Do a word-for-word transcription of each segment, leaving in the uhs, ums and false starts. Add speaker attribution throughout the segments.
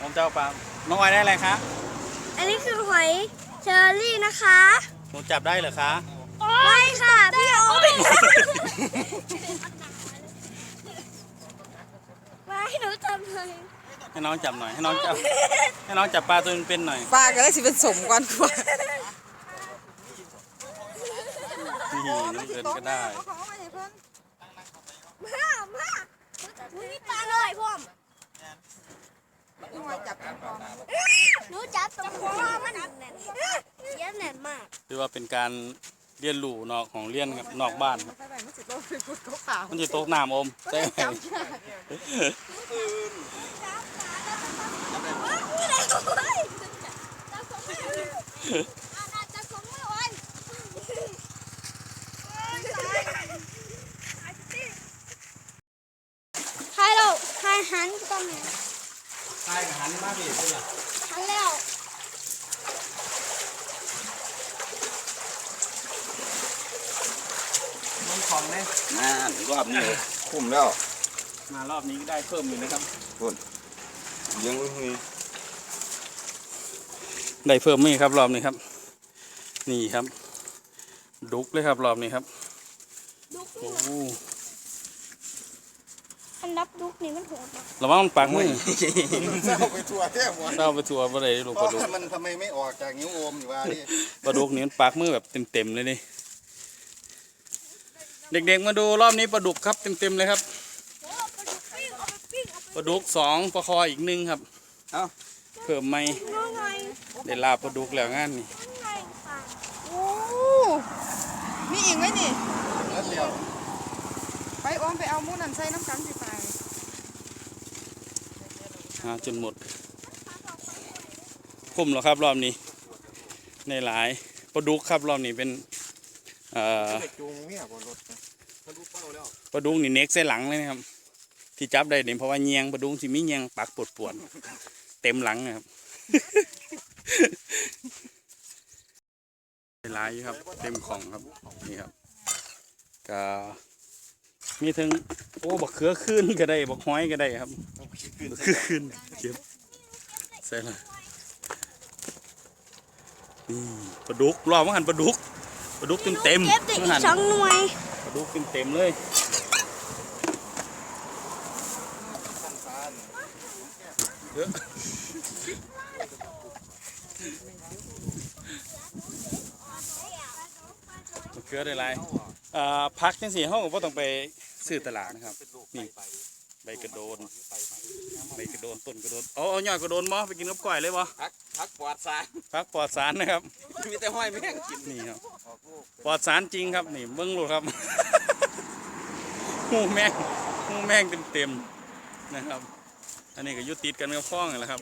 Speaker 1: ผมจะเอาปลาน้องออยได้อะไรคะ
Speaker 2: อันนี้คือหอยเชอรี่นะคะ
Speaker 1: หนูจับได้เหรอคะ
Speaker 2: ไม่ค่ะพี่โอ๊ตมาให้หนูจับหน่อย
Speaker 1: ให้น้องจับหน่อยให้น้องจับให้น้องจับปลาตัวเป็นๆหน่อย
Speaker 3: ปลาก็ได้สิเป็นสมก่อนกว่า
Speaker 1: นี่น้องเอิญก็ได้
Speaker 2: มามาอุ้ยปลาหน่อยพ่อมหนูจับตรงคอมันแน่นเยอะแน่นมาก
Speaker 1: ถือว่าเป็นการเรียนรู้นอกของเรียนครับนอกบ้านครับมันจะตกน้ำอมใช่ไหม
Speaker 2: ใครเราใครหันก็มี
Speaker 1: ใช่หันมาดิเป็นหรอ
Speaker 2: หันแล้ว
Speaker 1: มันของเลย
Speaker 4: น่ารอบนี้คุ้มแล้ว
Speaker 1: มารอบนี้ก็ได้เพิ่มอยู่นะครับ
Speaker 4: คุณยังมี
Speaker 1: ได้เพิ่มมีครับรอบนี้ครับนี่ครับดุกเลยครับรอบนี้ครับโอ้
Speaker 2: อันดับดุกนี่มันโหด
Speaker 1: ระวังมันปักมือ
Speaker 4: เศร้าไปทัวร์แท้หมด
Speaker 1: เศร้าไปทัวร์อะไรลูกปลาดุก
Speaker 4: มันทำไมไม่ออกจากนิ้วโอมอยู่วะนี่
Speaker 1: ปลาดุกนี่มันปักมือแบบเต็มๆเลยนี่เด็กๆมาดูรอบนี้ปลาดุกครับเต็มๆเลยครับปลาดุกสองปลาคออีกหนึ่งครับเอาเพิ่มไม่ได้ลาปลาดุกแล้วงานนี่
Speaker 3: โอ้มีอีกไหมนี่ไปโอมไปเอามูนันใส่น้ำกันสิไป
Speaker 1: หาจนหมดคุ้มแล้วครับรอบนี้ในหลายปลาดุกครับรอบนี้เป็นเอ่อปลาดุกนี่เน็กใส่หลังเลยนะครับที่จับได้เนี่ยเพราะว่าเงียงปลาดุกที่มีเงียงปักปวดปวดเต็มหลังนะครับหลายครับเต็มของครับนี่ครับก็มีทั้งโอ้บักเขือขึ้นก็ได้บักห้อยก็ได้ครับบักเขือขึ้นเก็บใส่ละนี่ปลาดุกรอบมันหันปลาดุกปลาดุกเต็มเต็ม
Speaker 2: มันหันสองหน่วย
Speaker 1: ปลาดุกเต็มเต็มเลยเยอะเกลือได้ไรพักจังสี่ห้องก็ต้องไปซื้อตลาดนะครับนี่ใบกระโดนใบกระโดนต้นกระโดนเอาเอาหน่อยกระโดนมั้ไปกินกับก้อยเลยมั้
Speaker 4: พักพักปลอดสาร
Speaker 1: พักปลอดสารนะครับ
Speaker 4: มีแต่ห้อยแม่งกิน
Speaker 1: นี่ครับปลอดสารจริงครับนี่เบิ้งลูกครับหูแมงหูแมงเต็มเต็มนะครับอันนี้ก็ยุติดกันกับฟ้องแหละครับ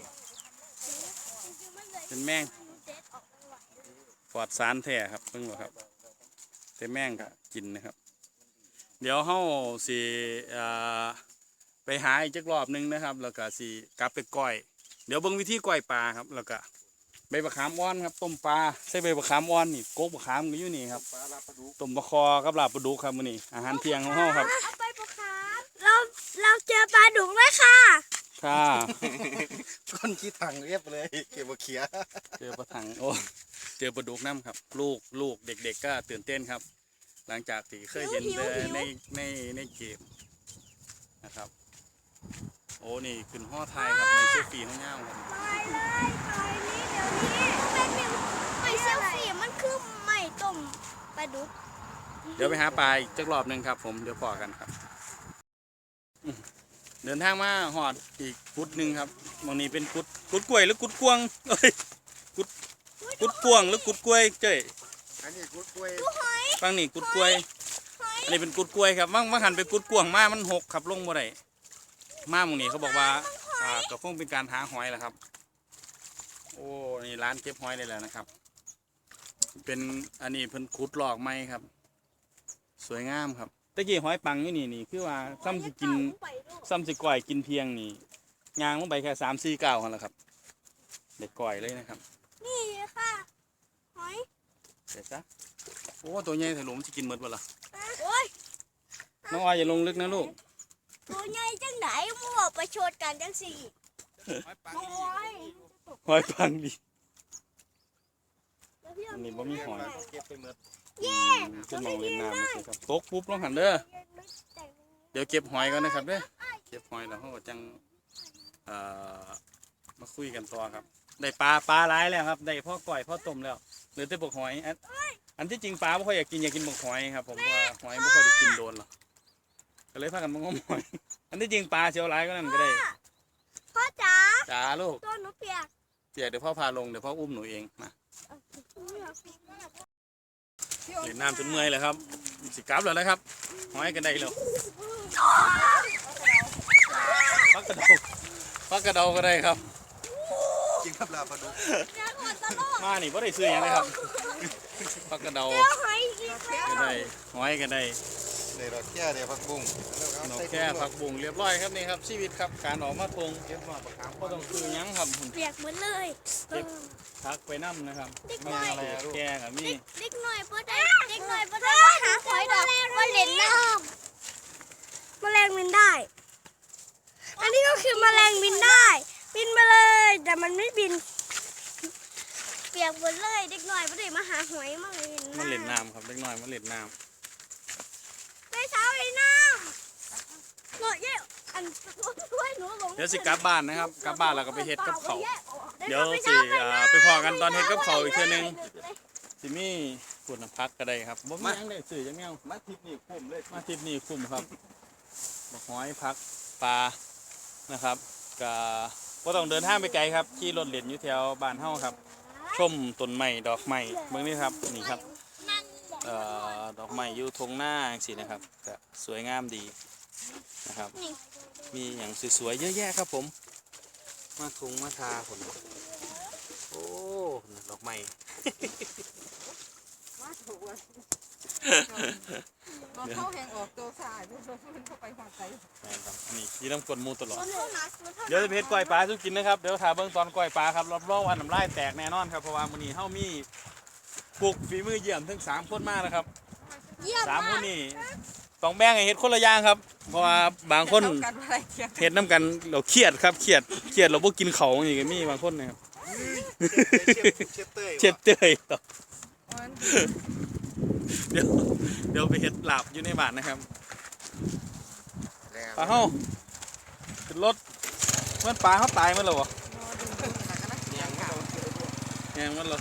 Speaker 1: เป็นแมงปลอดสารแท้ครับเบิ้งลูกครับแต่แม่งก็กินนะครับเดี๋ยวเฮาสิไปหาอีกจักรอบนึงนะครับแล้วก็สิกลับไปก้อยเดี๋ยวเบิ่งวิธีก้อยปลาครับแล้วก็ใบมะขามอ่อนครับต้มปลาใส่ใบมะขามอ่อนนี่โกกมะขามก็อยู่นี่ครับต้มปลาคอกับลาบปลาดุกครับมื้อนี้อาหารเที่ยงของเฮาครับ
Speaker 2: เราเราเจอปลาดุกเลยค่ะ
Speaker 1: ค่ะ
Speaker 4: ก้นขี้ถังเรียบเลยเก็บมาเขีย
Speaker 1: เจอปลาถังโอ้เจอปลาดุกน้ำครับลูกลูกเด็กๆก็ตื่นเต้นครับหลังจากที่เคยเห็นในในในเกมนะครับโอ้นี่ขึ้นห่อไทยครับในเซลฟี่ห้องเงาครับ
Speaker 2: ไปเลยไปนี่เดี๋ยวนี้เป็นไม่เซลฟี่มันคือไม่ต้มปลาดุก
Speaker 1: เดี๋ยวไปหาปลาอีกจักรอบหนึ่งครับผมเดี๋ยวพอกันครับเดินทางมาหอดอีกกุดหนึ่งครับตรงนี้เป็นกุดกุดกล้วยหรือกุดกวงเอ้ยกุดกุดกวงหรือกุดกล้วยเจ้ย
Speaker 4: อันนี้กุดกล้วย
Speaker 1: ฟังนี่กุดกล้วยอันนี้เป็นกุดกล้วยครับว่างว่างหันไปกุดกวงมามันหกขับลงบ่ได้มาหมู่นี้เขาบอกว่าอ่าก็คงเป็นการหาหอยแหละครับโอ้นี่ร้านเก็บหอยได้แล้วนะครับเป็นอันนี้เพิ่นขุดหลอกไม้ครับสวยงามครับตะกี้หอยปังนี่นี่นี่คือว่าซ้ำสิกินซ้ำสิก่อยกินเพียงนี่ยางลงไปแค่สามสี่เก้าคนละครับเด็กก่อยเลยนะครับ
Speaker 2: นี่ค่ะหอย
Speaker 1: เสร็จซะโอ้ตัวใหญ่ถลุมจะกินหมดบ่ล่ะ
Speaker 2: โอ้ย
Speaker 1: น้องออยอย่าลงลึกนะลูก
Speaker 2: ตัวใหญ่จังไหนมึงบอกไปชดกันจังสี่โอ้ย
Speaker 1: หอยปังดี
Speaker 2: แล้วพี่
Speaker 1: อันนี้บ่มีหอย
Speaker 4: เก็บไปหมด
Speaker 1: อืมขึ้นมองเล่นน้ำเลยครับตกปุ๊บลงหันเด้อเดี๋ยวเก็บหอยก่อนนะครับเด้อเก็บหอยแล้วเขาก็จังเอ่อมาคุยกันต่อครับได้ปลาปลาหลายแล้วครับได้พ่อก่อยพ่อต้มแล้วเหลือแต่ปลาหอยอันอันที่จริงปลาไม่ค่อยอยากกินอยากกินปลาหอยครับผมเพราะว่าหอยไม่ค่อยได้กินโดนหรอกก็เลยพากันมางมหอยอันที่จริงปลาเชียวหลายก็นั่นก็ได้
Speaker 2: พ่อจ๋า
Speaker 1: จ้าลูก
Speaker 2: ตัวหนูเปียก
Speaker 1: เดี๋ยวเดี๋ยวพ่อพาลงเดี๋ยวพ่ออุ้มหนูเองมาเล่นน้ำจนเมื่อยเลยครับสิกลับแล้วนะครับหอยกันได้แล้วพักกระเดาพักกระเดาก็ได้ครับ
Speaker 4: กินกับลาปลาดุก
Speaker 1: มานี่พ่ได้ซื้อหยังเลยครับพักกระเดา
Speaker 2: เดี๋ยวหอยอีกแล้ว
Speaker 1: ก็ได้หอยก็ได้
Speaker 4: ในดอกแค่เดียวผักบุ้ง
Speaker 1: นกแค่ผักบุ้งเรียบร้อยครับนี่ครับชีวิตครับการออกมาทง
Speaker 4: เก็บมาปลาขาม
Speaker 1: ก็ต้องซื้อหยังครับ
Speaker 2: เปียกหมดเลยเออ
Speaker 1: พักไปน้ำนะครับ
Speaker 2: เด็กน้อย
Speaker 1: อะไรอะแก่กับมี
Speaker 2: เด็กหน่อยพ่อได้เด็กหน่อยพ่อได้มาหาหอยดอกมาเล่นน้ำแมลงบินได้ อันนี้ก็คือแมลงบินได้ บินมาเลยแต่มันไม่บิน เปียกหมดเลยเด็กหน่อยพ่อได้มาหาหอยมาเล่นน้ำ
Speaker 1: มันเล่นน้ำครับเล็กน้อยมันเล่นน้
Speaker 2: ได้เช้าเลยน้ำหนูเย่อันช่วยหนูหลง
Speaker 1: ำเดี๋ยวสิกลับบ้านนะครับกลับบ้านแล้วก็ไปเฮ็ดกับเขาว เดี๋ยวสิอ่าไปพอกันตอนเฮ็ดกับข้าวอีกเทื่อนึง สิมีขวดน้ำพักก็ได้ครับบ่มีหยังได้ซื้อจังแนว
Speaker 4: มาทิพนี่คุ้มเลย
Speaker 1: มาทริปนี้คุ้มครับบักหอยพักปลานะครับก็บ่ต้องเดินทางไปไกลครับขี่รถเล่นอยู่แถวบ้านเฮาครับ ชมต้นไม้ดอกไม้เบิ่งนี่ครับนี่ครับเอ่อดอกไม้อยู่ทงหน้าจังซี่นะครับก็สวยงามดีนะครับ มีอย่างสวยๆเยอะแยะครับผม มาทุงมาทาผมโอ้ดอกไม้
Speaker 3: มาถูกเลยเราเข้าแหงออกตัวสายด้วยมันเข้าไปหัวใจ
Speaker 1: แม่นครับนี่ยีน้ำกลนหมูตลอด
Speaker 2: เดี๋
Speaker 1: เดี๋ยวจะไปเฮ็ดก้อยปลาสุกินนะครับ เดี๋ยวถ่าเบิ่งตอนก้อยปลาครับรับรองว่าน้ำลายแตกแน่นอนครับ เพราะว่ามื้อนี้เฮามีปลูกฝีมือเยี่ยมถึงสามคนมาแล้วครับ
Speaker 2: เยี่ยม
Speaker 1: สาม
Speaker 2: มา
Speaker 1: คน
Speaker 2: ก
Speaker 1: นี่ต้องแบ่งให้เฮ็ดคนละอย่างครับ เพราะว่าบางคน
Speaker 3: เท่ากันอะไรเทียง
Speaker 1: เฮ็ดน้ำกันเราเครียดครับเครียดเครียดเราบ่กินเขาวอย่างนี้ก็มีบางคนนะครับ
Speaker 4: เช็ดเต้ย
Speaker 1: เช็ดเตยต่อ
Speaker 3: มัน
Speaker 1: เดี๋ยวเดี๋ยวไปเฮ็ดลาบอยู่ในบ้านนะครับปลาเฮาขึ้นรถเมื่อปลาเฮาตายหมันแล้วบ่
Speaker 3: นอนดึงดึงหนักนะยังค่ะ
Speaker 1: แหงมันแล้ว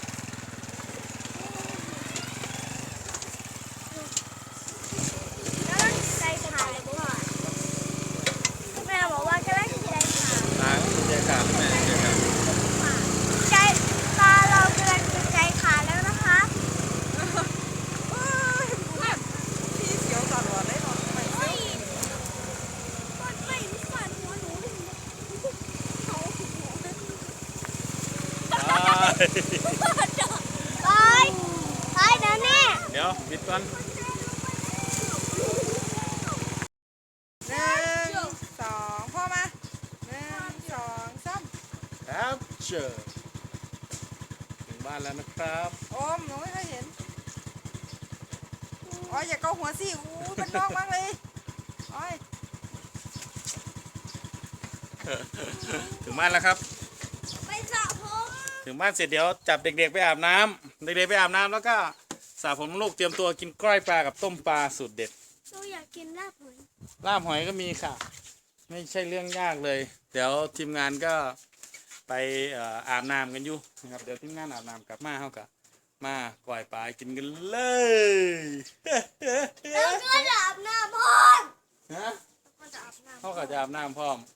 Speaker 2: แล้วใจขาดเลยพ่อแม่บอกว่ากำลังใจขาด
Speaker 1: ตาใจขาดแม่ใจขาด
Speaker 2: ใจตาเรากำลังจะใจขาดแล้วนะคะ
Speaker 3: พี่เขียวตลอดเลยนอนไป
Speaker 2: เฮ้ยก้อนไม่รู้ฝันหัวหนูเขาหัว
Speaker 1: ตาย
Speaker 2: ตายตายนะแน่
Speaker 1: เดี๋ยวปิดก่อน
Speaker 3: หนึ่งสองพ่อมาหนึ่งสองสาม
Speaker 1: ครับเชิญถึงบ้านแล้วนะครับ
Speaker 3: โอมหนูไม่เคยเห็นอ๋ออย่าเกาหัวสิอู้เป็นน้องมากเลยโอ้ย
Speaker 1: ถึงบ้านแล้วครับ
Speaker 2: ไปสระผม
Speaker 1: ถึงบ้านเสร็จเดี๋ยวจับเด็กๆไปอาบน้ำเด็กๆไปอาบน้ำแล้วก็สระผมลูกเตรียมตัวกินกล้อยปลากับต้มปลาสูตรเด็ด
Speaker 2: หนูอยากกินลาบหอย
Speaker 1: ลาบหอยก็มีค่ะ ไม่ใช่เรื่องยากเลย เดี๋ยวทีมงานก็ไปเอ่ออาบน้ำกันอยู่นะครับเดี๋ยวทีมงานอาบน้ำกลับมาเขากับมาก่อยปลากินกันเลย
Speaker 2: เราก็จะอาบน้ำพ่อ
Speaker 1: ฮะ
Speaker 2: ก็จะอาบน้ำ
Speaker 1: เขาก็จะอาบน้ำพร้อม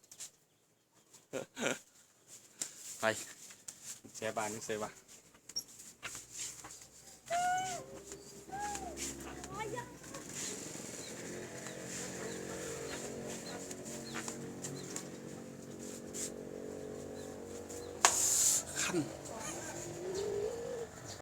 Speaker 1: ไปเสียบานนี่เสียบาน
Speaker 2: โอ้ย